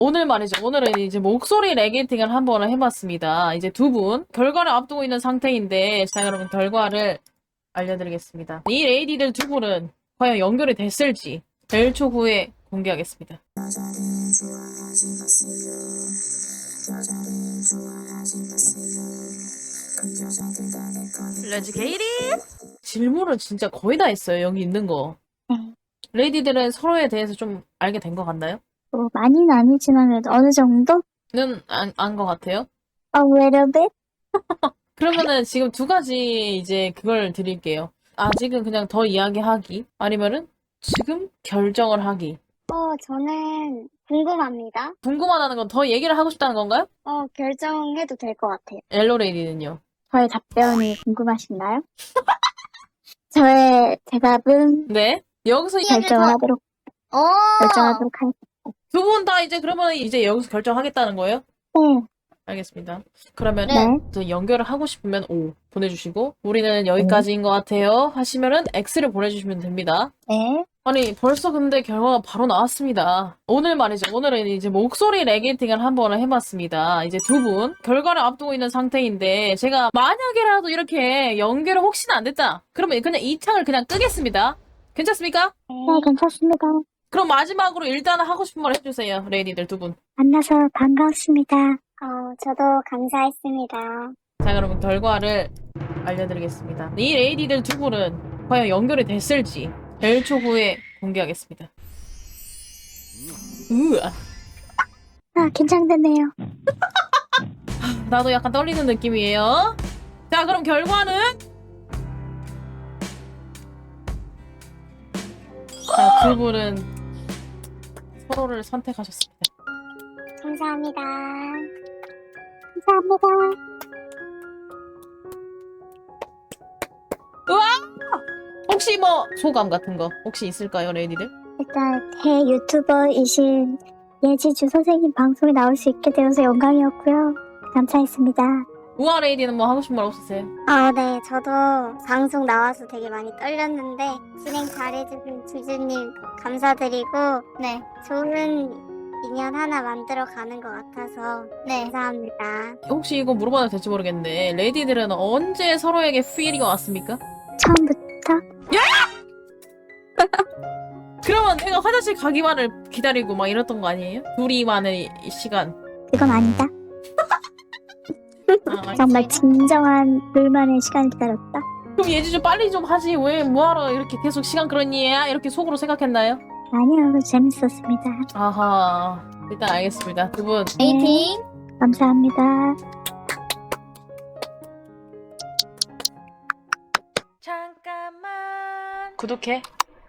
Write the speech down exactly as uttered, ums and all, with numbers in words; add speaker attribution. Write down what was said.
Speaker 1: 오늘 말이죠. 오늘은 이제 목소리 레게팅을 한번 해봤습니다. 이제 두 분 결과를 앞두고 있는 상태인데, 자, 여러분 결과를 알려드리겠습니다. 이 레이디들 두 분은 과연 연결이 됐을지 일 초 후에 공개하겠습니다. 레지 게이리 질문을 진짜 거의 다 했어요. 여기 있는 거.
Speaker 2: 네.
Speaker 1: 레이디들은 서로에 대해서 좀 알게 된 것 같나요?
Speaker 2: 뭐, 많이는 아니지만 그래도 어느 정도?
Speaker 1: 는 안, 안 것 같아요.
Speaker 2: A little bit?
Speaker 1: 그러면은 지금 두 가지 이제 그걸 드릴게요. 아직은 그냥 더 이야기하기, 아니면은 지금 결정을 하기.
Speaker 2: 어, 저는 궁금합니다.
Speaker 1: 궁금하다는 건 더 얘기를 하고 싶다는 건가요?
Speaker 2: 어, 결정해도 될 것 같아요.
Speaker 1: 엘로레이디는요?
Speaker 2: 저의 답변이 궁금하신가요? 저의 대답은
Speaker 1: 네. 여기서
Speaker 2: 결정을 하도록,
Speaker 3: 오!
Speaker 2: 결정하도록 하겠습니다.
Speaker 1: 두 분 다 이제 그러면 이제 여기서 결정하겠다는 거예요?
Speaker 2: 네.
Speaker 1: 알겠습니다. 그러면
Speaker 2: 네.
Speaker 1: 이제 연결을 하고 싶으면 O 보내주시고, 우리는 여기까지인 것 같아요 하시면은 X를 보내주시면 됩니다.
Speaker 2: 네.
Speaker 1: 아니, 벌써 근데 결과가 바로 나왔습니다. 오늘 말이죠. 오늘은 이제 목소리 레게팅을 한번 해봤습니다. 이제 두 분 결과를 앞두고 있는 상태인데, 제가 만약에라도 이렇게 연결이 혹시나 안 됐다, 그러면 그냥 이 창을 그냥 끄겠습니다. 괜찮습니까?
Speaker 2: 네, 괜찮습니다.
Speaker 1: 그럼 마지막으로 일단은 하고 싶은 말 해주세요. 레이디들 두 분.
Speaker 2: 만나서 반가웠습니다. 어, 저도 감사했습니다.
Speaker 1: 자, 여러분 결과를 알려드리겠습니다. 이 레이디들 두 분은 과연 연결이 됐을지 일 초 후에 공개하겠습니다. 우와.
Speaker 2: 아, 긴장되네요.
Speaker 1: 나도 약간 떨리는 느낌이에요. 자, 그럼 결과는? 자, 두 분은 서로를 선택하셨습니다.
Speaker 2: 감사합니다. 감사합니다.
Speaker 1: 혹시 뭐 소감 같은 거 혹시 있을까요, 레이디들?
Speaker 2: 일단 대유튜버이신 예지주 선생님 방송에 나올 수 있게 되어서 영광이었고요. 감사했습니다.
Speaker 1: 우아 레이디는 뭐 하고 싶은 말 없으세요?
Speaker 3: 아, 네. 저도 방송 나와서 되게 많이 떨렸는데 진행 잘해주신 주주님 감사드리고 네. 좋은 인연 하나 만들어 가는 것 같아서 네. 감사합니다.
Speaker 1: 혹시 이거 물어봐도 될지 모르겠는데, 레이디들은 언제 서로에게 필이 왔습니까?
Speaker 2: 처음부터
Speaker 1: 그러면 내가 화장실 가기만을 기다리고 막 이랬던 거 아니에요? 둘이만의 시간.
Speaker 2: 그건 아니다.
Speaker 1: 아,
Speaker 2: 정말 진정한 둘만의 시간을 기다렸다.
Speaker 1: 그럼 예지 좀 빨리 좀 하지. 왜 뭐하러 이렇게 계속 시간 끌었니? 이렇게 속으로 생각했나요?
Speaker 2: 아니요, 재밌었습니다.
Speaker 1: 아하. 일단 알겠습니다. 두 분.
Speaker 3: 에이팅!
Speaker 2: 감사합니다.
Speaker 1: 잠깐만. 구독해.